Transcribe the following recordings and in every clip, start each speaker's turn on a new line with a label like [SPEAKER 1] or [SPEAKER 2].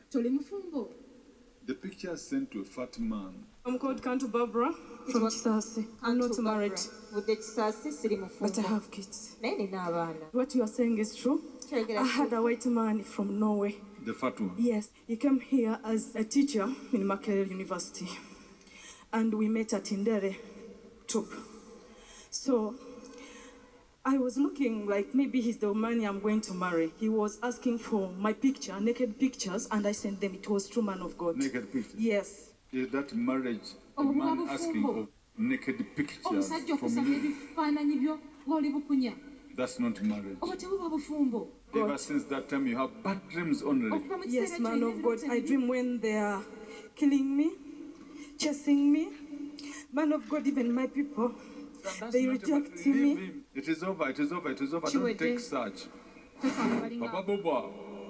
[SPEAKER 1] The picture sent to a fat man.
[SPEAKER 2] I'm called Kantu Barbara from Chisasi. I'm not married, but I have kids. What you are saying is true. I had a white man from Norway.
[SPEAKER 1] The fat one?
[SPEAKER 2] Yes, he came here as a teacher in Makerere University. And we met at Indere Top. So I was looking like maybe he's the man I'm going to marry. He was asking for my picture, naked pictures, and I sent them. It was true, man of God.
[SPEAKER 1] Naked pictures?
[SPEAKER 2] Yes.
[SPEAKER 1] Is that marriage a man asking of naked pictures from you? That's not marriage. Ever since that time you have bad dreams only.
[SPEAKER 2] Yes, man of God. I dream when they are killing me, chasing me. Man of God, even my people, they reject me.
[SPEAKER 1] It is over, it is over, it is over. Don't take such. Papa Boba.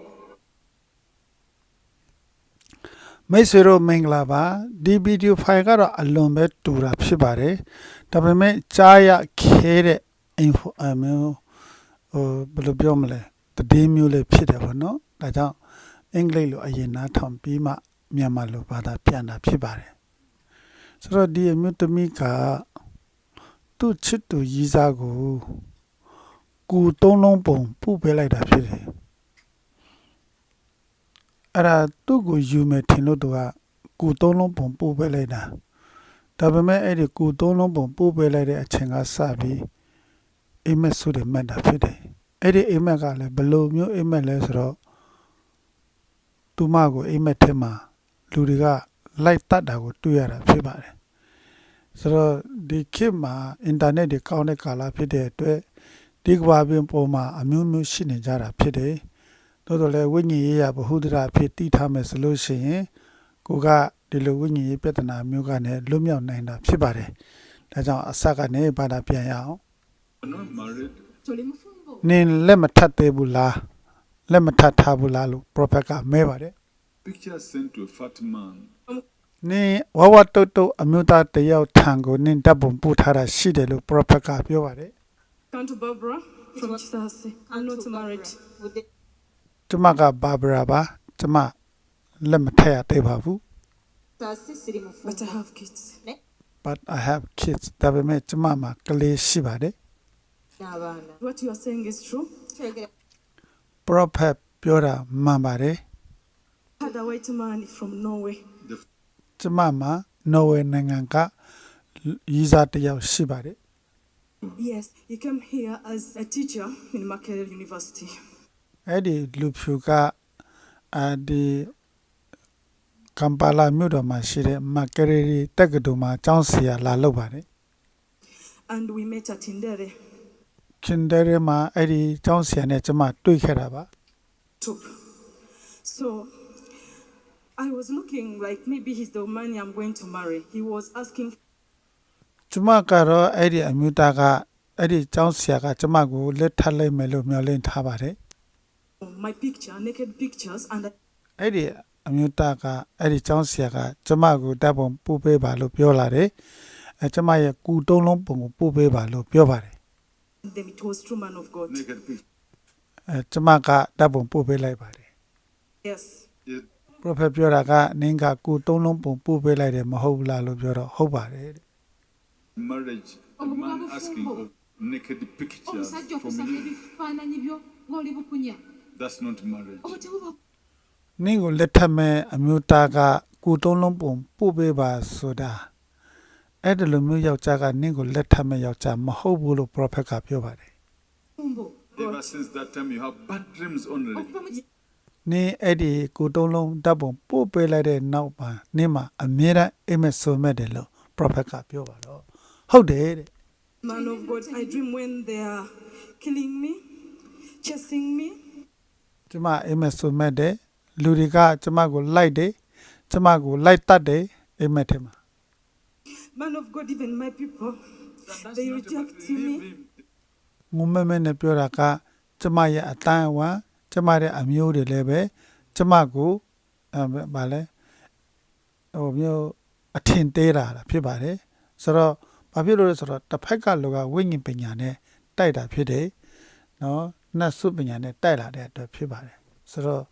[SPEAKER 3] မိတ်ဆွေတို့မင်္ဂလာပါဒီဗီဒီယိုဖိုင်ကတော့အလွန်ပဲတူတာဖြစ်ပါတယ်ဒါပေမဲ့ကြားရခဲတဲ့ info မျိုးဘယ်လိုပြောမလဲတည်မျိုးလေးဖြစ်တယ်ပေါ့နော်ဒါကြောင့်အင်္ဂလိပ်လိုအရင်နားထောင်ပြီးမှမြန်မာလိုဘာသာပြန်တာဖြစ်ပါတယ်ဆိုတော့ဒီအမျိုးသမီးကသူ့ချစ်သူရီးစားကိုကူသုံးလုံးပုံပုတ်ပေးလိုက်တာဖြစ်တယ်အဲ့ဒါသူ့ကိုယူမယ်ထင်လို့သူကကူသုံးလုံးပုံပို့ပေးလိုက်တာဒါပေမဲ့အဲ့ဒီကူသုံးလုံးပုံပို့ပေးလိုက်တဲ့အချိန်ကစပြီးအိမ်မက်ဆိုတဲ့မှတ်တာဖြစ်တယ်အဲ့ဒီအိမ်မက်ကလည်းဘယ်လိုမျိုးအိမ်မက်လဲဆိုတော့သူမကိုအိမ်မက်ထဲမှာလူတွေကလိုက်တတ်တာကိုတွေ့ရတာဖြစ်ပါတယ်ဆိုတော့ဒီခေတ်မှာအင်တာနက်တွေကောင်းတဲ့ကာလဖြစ်တဲ့အတွက်ဒီကဘာပြင်ပေါ်မှာအမျိုးမျိုးရှိနေကြတာဖြစ်တယ်တော်လည်းဝိညာဉ်ရေးရဘ ഹു ဒရာဖြစ်တည်ထားမယ်ဆိုလို့ရှိရင်ကိုကဒီလိုဝိညာဉ်ရေးပြဿနာမျိုးကနေလွတ်မြောက်နိုင်တာဖြစ်ပါတယ်။ဒါကြောင့်အစကနေဘာသာပြန်ရအောင်
[SPEAKER 1] Not married.
[SPEAKER 3] ။နင်လက်မထပ်သေးဘူးလား။လက်မထပ်ထားဘူးလားလို့ prophet ကမဲပါတယ်
[SPEAKER 1] Picture sent to a fat man.
[SPEAKER 3] ။နင်ဝဝတုတ်တုတ်အမျိုးသားတယောက်ထံကိုနင်တပ်ပုံပို့ထားတာရှိတယ်လို့ prophet ကပြောပါတယ်
[SPEAKER 2] Kantu Barbara from Chisasi. I'm not married.
[SPEAKER 3] ။ကျမကဘာဘရာပါကျမလက်မထပ်ရသေးပါဘူး
[SPEAKER 2] But I have kids.
[SPEAKER 3] but I have kids ဒါပေမဲ့ကျမမှာကလေးရှိပါတယ်
[SPEAKER 2] What you are saying is true.
[SPEAKER 3] prophet ပြောတာမှန်ပါတယ်
[SPEAKER 2] I had a white man from Norway.
[SPEAKER 3] ကျမမှာနော်ဝေနိုင်ငံကရီးစားတစ်ယောက်ရှိပါတယ်
[SPEAKER 2] Yes, he came here as a teacher in Makerere University.
[SPEAKER 3] အဲ့ဒီလူဖြူကဒီကမ်ပါလာမြို့တော်မှာရှိတဲ့မကရီရီတက္ကသိုလ်မှာကျောင်းဆရာလာလုပ်ပါတယ်
[SPEAKER 2] And we met at Indere
[SPEAKER 3] ခင်ဒရဲမှာအဲ့ဒီကျောင်းဆရာနဲ့ကျမတွေ့ခဲ့တာပါ
[SPEAKER 2] Top. So I was looking like maybe he's the man I'm going to marry. He was asking
[SPEAKER 3] ကျမကတော့အဲ့ဒီအမျိုးသားကအဲ့ဒီကျောင်းဆရာကကျမကိုလက်ထပ်လိုက်မယ်လို့မျှော်လင့်ထားပါတယ်
[SPEAKER 2] for my picture, naked pictures, and
[SPEAKER 3] အဲ့ဒီအမျိုးသားကအဲ့ဒီကျောင်းဆရာကကျမကိုတပ်ပုံပို့ပေးပါလို့ပြောလာတယ်ကျမရဲ့ကူတုံးလုံးပုံကိုပို့ပေးပါလို့ပြောပါတယ်
[SPEAKER 2] then it was true, man of God.
[SPEAKER 1] Naked picture.
[SPEAKER 3] ကျမကတပ်ပုံပို့ပေးလိုက်ပါတယ်
[SPEAKER 2] Yes.
[SPEAKER 1] It,
[SPEAKER 3] prophet ပြောတာကနင်းကကူတုံးလုံးပုံပို့ပေးလိုက်တယ်မဟုတ်ဘူးလားလို့ပြောတော့ဟုတ်ပါတယ်တဲ့
[SPEAKER 1] marriage, a man asking of naked pictures from you. That's not marriage.
[SPEAKER 3] နင်းကိုလက်ထပ်မဲ့အမျိုးသားကကူတုံးလုံးပုံပို့ပေးပါဆိုတာအဲ့ဒီလိုမျိုးယောက်ျားကနင်းကိုလက်ထပ်မဲ့ယောက်ျားမဟုတ်ဘူးလို့ prophet ကပြောပါတယ်
[SPEAKER 1] Ever since that time you have bad dreams only.
[SPEAKER 3] နင်းအဲ့ဒီကူတုံးလုံးတပ်ပုံပို့ပေးလိုက်တဲ့နောက်မှာနင်းမှာအမြဲတမ်းအိမ်မက်ဆိုမဲ့တယ်လို့ prophet ကပြောပါတော့ဟုတ်တယ်တဲ့
[SPEAKER 2] Man of God, I dream when they are killing me, chasing me.
[SPEAKER 3] ကျမအိမ်မက်ဆိုမဲ့တယ်လူတွေကကျမကိုလိုက်တယ်ကျမကိုလိုက်တတ်တယ်အိမ်မက်ထဲမှာ
[SPEAKER 2] Man of God, even my people, they reject me.
[SPEAKER 3] ငုံမဲမဲနဲ့ပြောတာကကျမရဲ့အတန်းအဝါကျမရဲ့အမျိုးတွေလည်းပဲကျမကိုဗာလဲဟိုမျိုးအထင်သေးတာဖြစ်ပါတယ်ဆိုတော့ဘာဖြစ်လို့လဲဆိုတော့တစ်ဖက်ကလူကဝိညာဉ်ပညာနဲ့တိုက်တာဖြစ်တယ်နော်နတ်စုပညာနဲ့တိုက်လာတဲ့အတွက်ဖြစ်ပါတယ်ဆိုတော့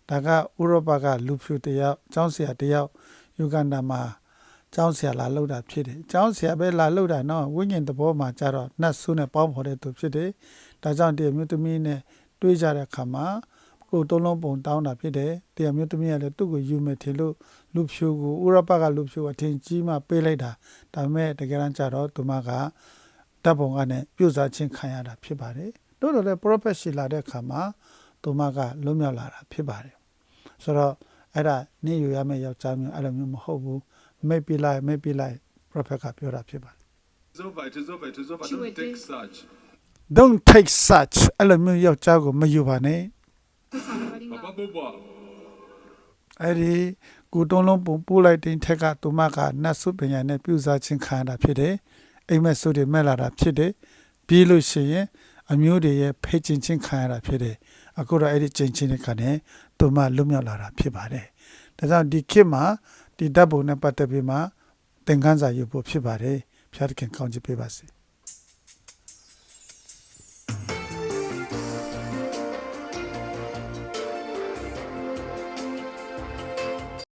[SPEAKER 3] ဒါကဥရောပကလူဖြူတယောက်ကျောင်းဆရာတယောက်ယူဂန္ဒာမှာကျောင်းဆရာလာလောက်တာဖြစ်တယ်ကျောင်းဆရာပဲလာလောက်တာနော်ဝိညာဉ်သဘောမှာကြတော့နတ်ဆုနဲ့ပေါင်းဖော်တဲ့သူဖြစ်တယ်ဒါကြောင့်ဒီအမျိုးသမီးနဲ့တွေးကြတဲ့အခါမှာကိုသုံးလုံးပုံတောင်းတာဖြစ်တယ်ဒီအမျိုးသမီးကလည်းသူ့ကိုယူမယ်ထင်လို့လူဖြူကိုဥရောပကလူဖြူအထင်ကြီးမှပေးလိုက်တာဒါပေမဲ့တကယ်တမ်းကျတော့သူမကတပ်ပုံကနေပြုတ်စားခြင်းခံရတာဖြစ်ပါတယ်တို့တော့လေ prophet ရှိလာတဲ့အခါမှာသူမကလွတ်မြောက်လာတာဖြစ်ပါတယ်ဆိုတော့အဲ့ဒါနေယူရမယ့်ယောက်ျားမျိုးအဲ့လိုမျိုးမဟုတ်ဘူးမိတ်ပြလိုက် prophet ကပြောတာဖြစ်ပါတယ်
[SPEAKER 1] It's over. It is over. It is over. Don't take such.
[SPEAKER 3] don't take such အဲ့လိုမျိုးယောက်ျားကိုမယူပါနဲ့
[SPEAKER 1] Papa Boba.
[SPEAKER 3] အဲ့ဒီကိုတုံးလုံးပုံပို့လိုက်တဲ့ထက်ကသူမကနတ်ဆုပညာနဲ့ပြုစားခြင်းခံရတာဖြစ်တယ်အိမ်မက်ဆုတွေမဲ့လာတာဖြစ်တယ်ပြီးလို့ရှိရင်အမျိုးတွေရဲ့ဖိတ်ချင်းခံရတာဖြစ်တယ်အခုတော့အဲ့ဒီချင်းချင်းတွေကနေသူမလွတ်မြောက်လာတာဖြစ်ပါတယ်ဒါကြောင့်ဒီခေတ်မှာဒီဓာတ်ပုံနဲ့ပတ်သက်ပြီးမှသင်ခန်းစာယူဖို့ဖြစ်ပါတယ်ဖျားသခင်ကောင်းချီးပေးပါစေ